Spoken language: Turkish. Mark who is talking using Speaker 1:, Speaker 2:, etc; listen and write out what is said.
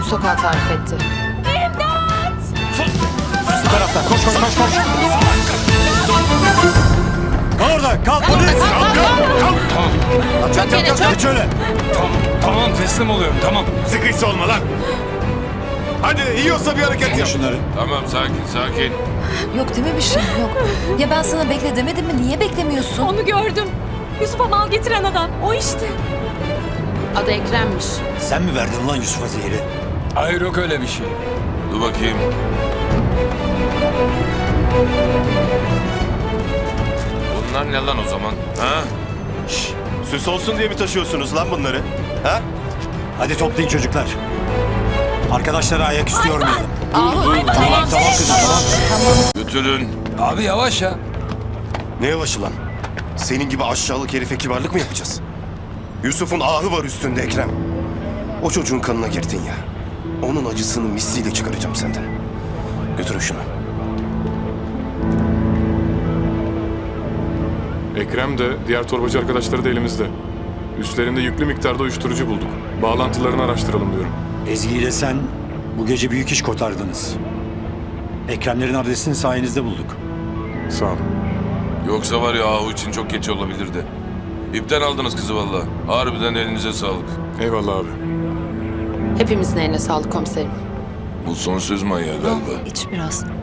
Speaker 1: sokağı tarif etti.
Speaker 2: Bu taraftan koş. Orada kalk polis. Kalk. Geç öyle.
Speaker 3: Tamam teslim oluyorum tamam.
Speaker 4: Sıkıysa olma lan. Hadi yiyorsa bir hareket yap.
Speaker 2: Şunları.
Speaker 5: Tamam sakin.
Speaker 6: Yok değil mi bir şey? Yok. Ya ben sana bekle demedim mi? Niye beklemiyorsun?
Speaker 7: Onu gördüm. Yusuf'a mal getiren adam. O işte.
Speaker 1: Adı Ekrem'miş.
Speaker 2: Sen mi verdin ulan Yusuf'a zehri?
Speaker 3: Hayır yok öyle bir şey.
Speaker 5: Dur bakayım. Bunlar ne lan o zaman? Ha?
Speaker 4: Süs olsun diye mi taşıyorsunuz lan bunları? Ha?
Speaker 2: Hadi toplayın çocuklar. Arkadaşlara ayaküstü yormayalım.
Speaker 6: Tamam
Speaker 2: kızım, tamam.
Speaker 5: Götürün.
Speaker 3: Abi yavaş ya.
Speaker 4: Ne yavaşı lan? Senin gibi aşağılık herife kibarlık mı yapacağız? Yusuf'un ahı var üstünde Ekrem. O çocuğun kanına girdin ya. Onun acısını misliyle çıkaracağım senden. Götürün şunu.
Speaker 8: Ekrem de diğer torbacı arkadaşları da elimizde. Üstlerinde yüklü miktarda uyuşturucu bulduk. Bağlantılarını araştıralım diyorum.
Speaker 2: Ezgi ile sen bu gece büyük iş kotardınız. Ekremlerin adresini sayenizde bulduk.
Speaker 8: Sağ ol.
Speaker 5: Yoksa var ya ahu için çok geç olabilirdi. İpten aldınız kızı valla. Harbiden elinize sağlık.
Speaker 8: Eyvallah abi.
Speaker 1: Hepimizin eline sağlık komiserim.
Speaker 5: Bu son söz manyağı galiba.
Speaker 6: İç biraz.